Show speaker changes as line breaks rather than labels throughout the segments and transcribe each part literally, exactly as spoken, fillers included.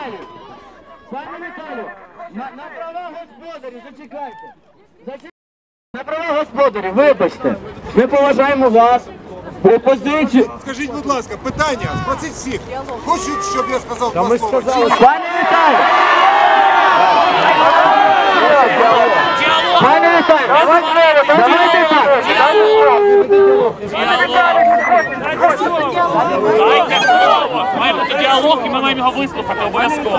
Віталію, пане Віталію, на, на права господарів, зачекайте. Зачекайте. На права господарів, вибачте, ми поважаємо вас. Пропозицію.
Скажіть, будь ласка, питання, спросіть всіх. Хочуть, щоб я сказав два слова?
Пане Віталію! Пане Віталію, давайте так!
Дайте слово! Має бути діалог і ми маємо його вислухати обов'язково.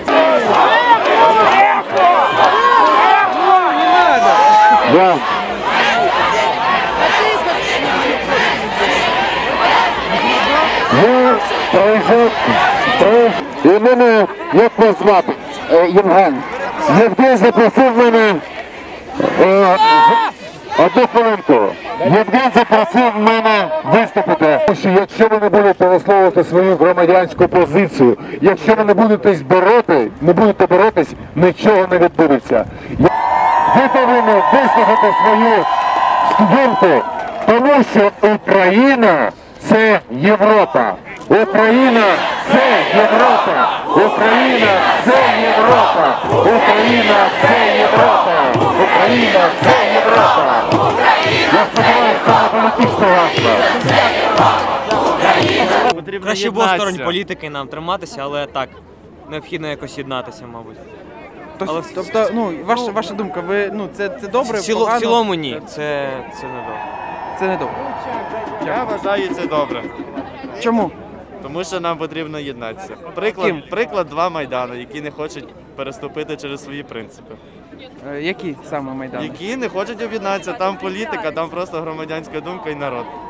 І мене, як вас звати? Євген. Євген запросив мене, е, одну хвилинку. Євген запросив мене виступити. Тому що якщо ви не будете висловлювати свою громадянську позицію, якщо ви не будете бороти, не будете боротись, нічого не відбудеться. Ви повинні висказати свою думку, тому що Україна – це Європа. Україна – це Європа! Україна – це Європа! Україна – це Європа! Україна – це Європа! Я сподіваюся, це не політична ваша.
Краще було сторонь політики нам триматися, але так, необхідно якось єднатися, мабуть.
Але... Тобто, ну, ваша, ваша думка, ви, ну, це, це добре,
в, ціло,
погано?
в цілому ні, це, це не добре.
Це не добре.
Я вважаю, це добре.
Чому?
Тому що нам потрібно єднатися. Приклад, приклад два Майдану, які не хочуть переступити через свої принципи.
Е, які саме Майдани?
Які не хочуть об'єднатися, там політика, там просто громадянська думка і народ.